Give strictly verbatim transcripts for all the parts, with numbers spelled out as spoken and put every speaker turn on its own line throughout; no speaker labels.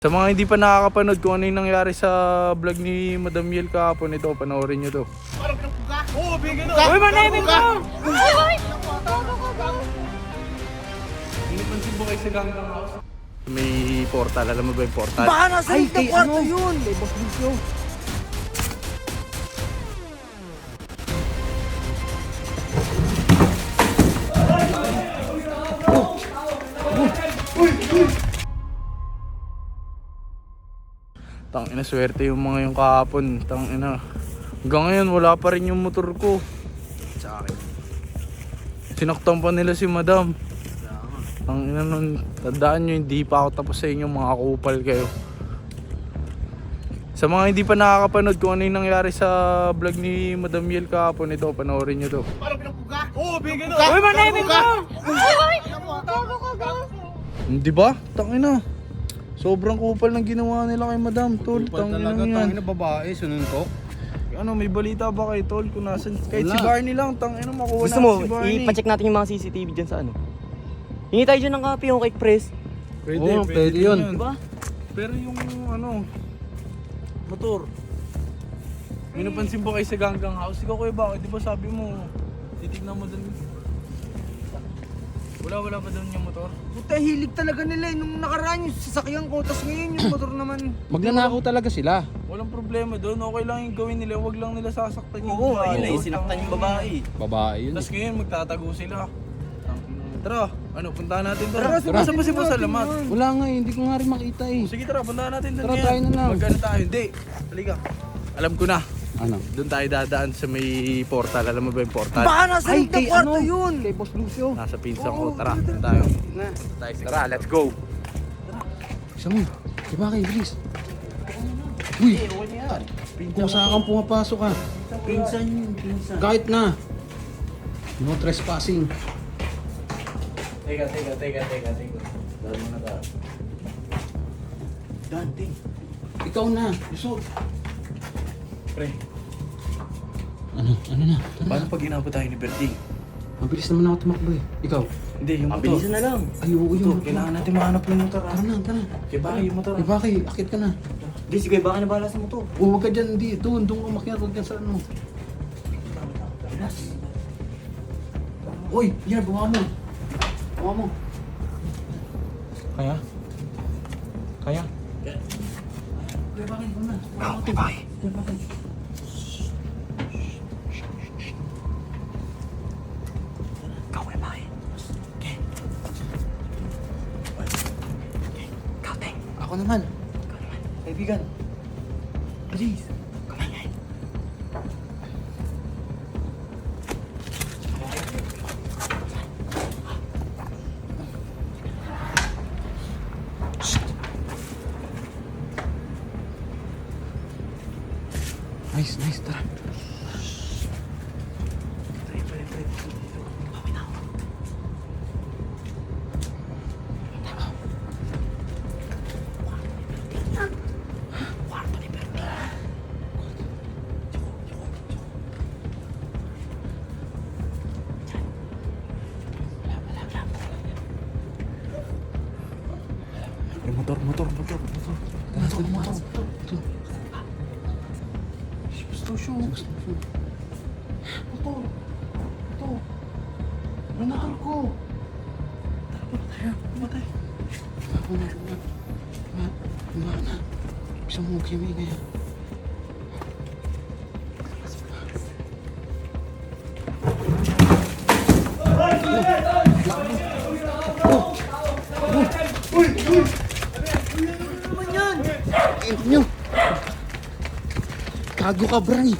Sa mga hindi pa nakakapanood kung ano yung nangyari sa vlog ni Madam Yel kahapon, ito, panoorin nyo to.
Parang pinagpuga! Oo, bigyan na!
Uy, manahimik mo!
Ay!
Pinipansin mo kayo sa Ganggang House? May portal, alam mo ba yung portal?
Baka nasa loob ng kwarto yun!
Kay Boss Lucio. Tangina, swerte yung mga yung kahapon. Tangina. Hanggang ngayon wala pa rin yung motor ko. Sa akin. Sinaktan pa nila si Madam. Tangina nun, tandaan nyo, hindi pa ako tapos sa inyo, mga kupal kayo. Sa mga hindi pa nakakapanood kung ano yung nangyari sa vlog ni Madam Yel kahapon, ito, panoorin nyo to.
Parang pinagpuga! Oo, bigyan na!
Uy, manahimik mo!
Ay! Gago ka, gago!
Hindi ba? Tangina. Sobrang kupal ng ginawa nila kay Madam, tol.
Kupal
Tangina
talaga,
yan.
tangina babae, sununtok.
Ano, may balita ba kay tol? Kung nasan, kahit si
Wala.
Barney lang, tangina makuha
Gusto
natin
mo,
si Barney.
ipacheck natin yung mga C C T V dyan sa ano. Hingi tayo dyan ng copy yung cake press.
Pwede,
Oo,
pwede,
pwede
din
yun.
Diba?
Pero yung ano, motor. May napansin ba kayo sa Ganggang House? Ikaw kuya bakit? Di ba sabi mo, titignan mo dun. Wala, wala ba dun yung motor?
Puta, hilig talaga nila eh. Nung nakaraan yung sasakyan ko, tas ngayon yung motor naman.
Magnanakaw talaga sila.
Walang problema doon. Okay lang yung gawin nila. Huwag lang nila sasaktan yung
Oo,
babae.
ayun na eh, sinaktan yung babae.
Babae yun.
Tapos ngayon magtatago sila. Tara, ano, puntahan natin doon.
Tara,
Tara, saan ba si Boss Alamat?
Wala nga eh, hindi ko nga rin makita eh.
Sige, tara, puntahan natin doon.
Tara,
ngayon.
tayo na lang.
Mag-ano tayo? Hindi. Halika. Alam ko na.
Ano?
Doon tayo dadaan sa may portal. Alam mo ba yung portal?
Baka nasa loob ng kwarto yun!
Kay Boss Lucio.
Nasa pinsan ko. Tara, doon tayo. Tayo. Tara, let's go.
Isa mo. Di ba kayo, bilis? Uy! Kung saan kang pumapasok ka.
Pinsan yun, pinsan.
Kahit na. No trespassing.
Teka, teka, teka, teka, teka. Dahil mo na tayo.
Dante.
Ikaw na.
Yusuf. Pre,
Ano? Ano na? Tara na.
paano pag inabot tayo ni Berting?
Mabilis naman ako tumakbo eh. Ikaw?
Hindi, yung motor.
Mabilisan na lang.
Ay, oo,
Ito,
yung motor.
kailangan natin mahanap yung motor.
Tara na, tara.
Kaya ba yung motor?
Di ba kayo? Akit ka na.
Hindi, sige, baka nabala sa motor.
O, huwag ka dyan. Di, doon. Doon ka makiat. Huwag dyan sa ano. Uy! Yan, bawa mo. Bawa mo.
Kaya? Kaya?
Kaya bakit? Ano na?
Bro, may bahay.
Kaya bakit?
Ikaw may bahay. Okay. Okay. Ikaw, Teng.
Ako naman.
Kaibigan.
Please.
Kumangay.
Nice, nice. Tara.
Pre, pre, pre. Bawi na ako. Kwarto ni Berting. Yung motor, motor, motor, motor.
Tara, tara, motor. Ito.
Gusto siya.
Ito. Ito. Yung motor ko.
Matay.
Ako na. Ma. Ma na. Bisa mo kimi kaya. Ito nyo. Gago ka, Bray.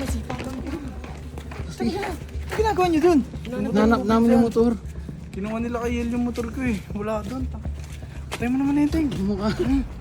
Ano ginagawa niyo dun?
Nanak namin yung motor.
Kinuha nila kay Yel yung motor ko eh. Wala doon. Patay mo naman na yun, Teng.
Ano mo ka?